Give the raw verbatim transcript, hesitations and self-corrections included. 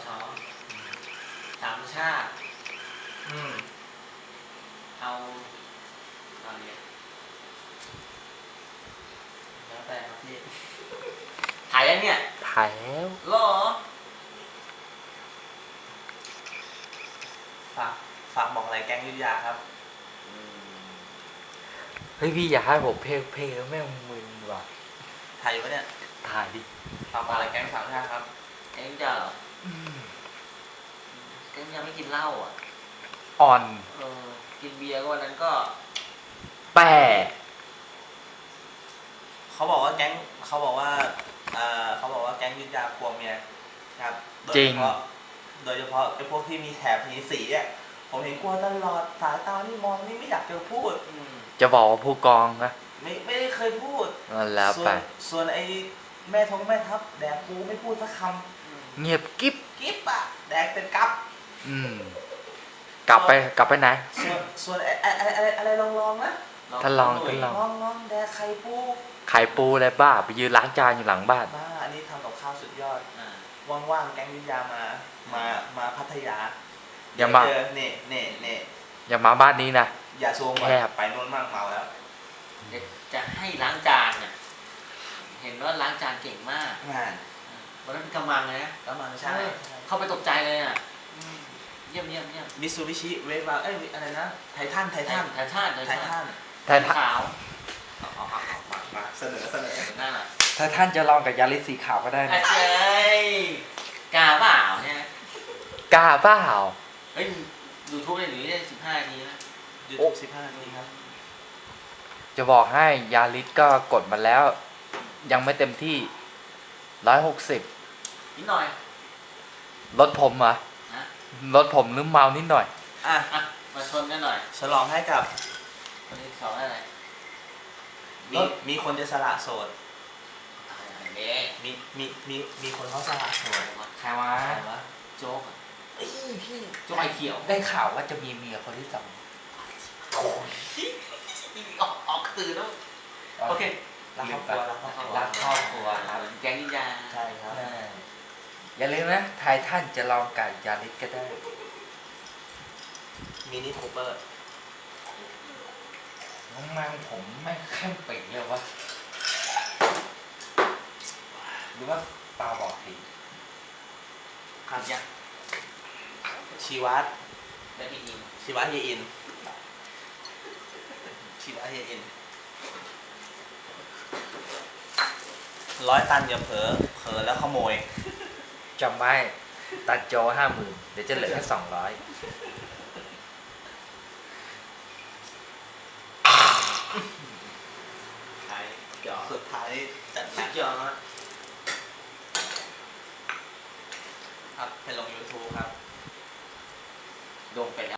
ทสามชาติอืมเอาเอาเนี่ยแล้วแต่ครับพี่ถ่ายยังเนี่ยถ่ายแล้วหรอฝากฝากบอกอะไรแก๊งยุทธยาครับเฮ้ยพี่อย่าให้ผมเพลงเพลงแล้วแม่งมึนว่ะถ่ายอยู่ปะเนี่ยถ่ายดิฝากบอกอะไรแก๊งสามชาติครับแกงจะเหรอแกงจะไม่กินเหล้าอ่ะอ่อนเออกินเบียร์ก็วันนั้นก็แปะเขาบอกว่าแก๊งเขาบอกว่าเอ่อเขาบอกว่าแก๊งยุทธยากลัวเมียครับโดยจริเฉงพาะโดยเฉพาะไอ้พวกที่มีแถบมีสีอ่ะผมเห็นกลัวตลอดสายตานี่มองนี่ไม่อยากจะพูดอืมจะบอกว่าผู้กองนะไม่ไม่ได้เคยพูดนั่นแล้วส่วไปนส่วนไอ้แม่ทงแม่ทัพแดกกูไม่พูดสักคอืมเงียบกิ๊บำกิ๊บอะแดกเป็นกับอืม กลับไปกลับไปไหนส่วนส่วนไอ้ไอ้ไอ้ไอ้อะไรลองลองๆนะท่านลองดูท่านลองลองลองแดกไข่ปูไข่ปูอะไรบ้า ไปยืนล้างจานอยู่หลังบ้านบ้าอันนี้ทำกับข้าวสุดยอดอ่าว่างๆแก๊งวิทยามา มามาพัทยาอย่ามาเจอเน่เน่เน่อย่ามาบ้านนี้นะอย่าซูมก่อนแคบไปโน่นมากเมาแล้วเดี๋ยวจะให้ล้างจานเนี่ยเห็นว่าล้างจานเก่งมากงานวันนั้นเป็นกำมังเลยนะแล้วมันใช่เออเข้าไปตกใจเลยอ่ะอืมเยี่ยมเยี่ยมเยี่ยมมิซูบิชิเวฟวาเอ้ยอะไรนะไททันไททันไททันไทไททัทันนแต่ถ้าขาวเอาเอาเอาเอามามาเสนอเสนอหน้าหน่อยถ้าท่านจะลองกับยาลิสสีขาวก็ได้ไอ้นะเจ้ยกาเปล่าเนี่ยกล้าเปล่าเฮ้ยยูทูบได้หรือได้สิบห้านาทีนะยูทูบสิบห้านาทีครับจะบอกให้ยาลิสก็กดมาแล้ว ยังไม่เต็มที่ร้อยหกสิบนิดหน่อยรถผมเหรอนะรถผมลืมเมานิดหน่อยอ่ะอ่ะมาชนกันหน่อยฉลองให้กับคนที่สองอะไรมีมีคนจะสละโสดอะไรเด้มีมีมีมีคนเขาสละโสดใครวะใครวะโจ๊กอะเอ้ยพี่โจ๊กไอเขียวได้ข่าวว่าจะมีเมียคนที่สองโถ่ออกออกตื่นแล้วโอเครักครอบครัวรักครอบครัวรักครอบครัวครับแก๊งนินจาใช่ครับอ่าอย่าลืมนะไททันจะลองกับยาลิสก็ได้มินิคูเปอร์น้องมังผมไม่เข้มเป่งเลยวะหรือว่าตาบอดทีครับยังชีวัตได้อีกนิดชีวัตเฮียอินชีวัตเฮียอินร้อยตันอย่าเผลอเผลอแล้วขโมยจำไว้ตัดโจห้าหมื่นเดี๋ยวจะเหลือแค่สองร้อยใช่จอสุดท้ายจัดหนักจอครับไปลง YouTube ครับโดนไปแล้ว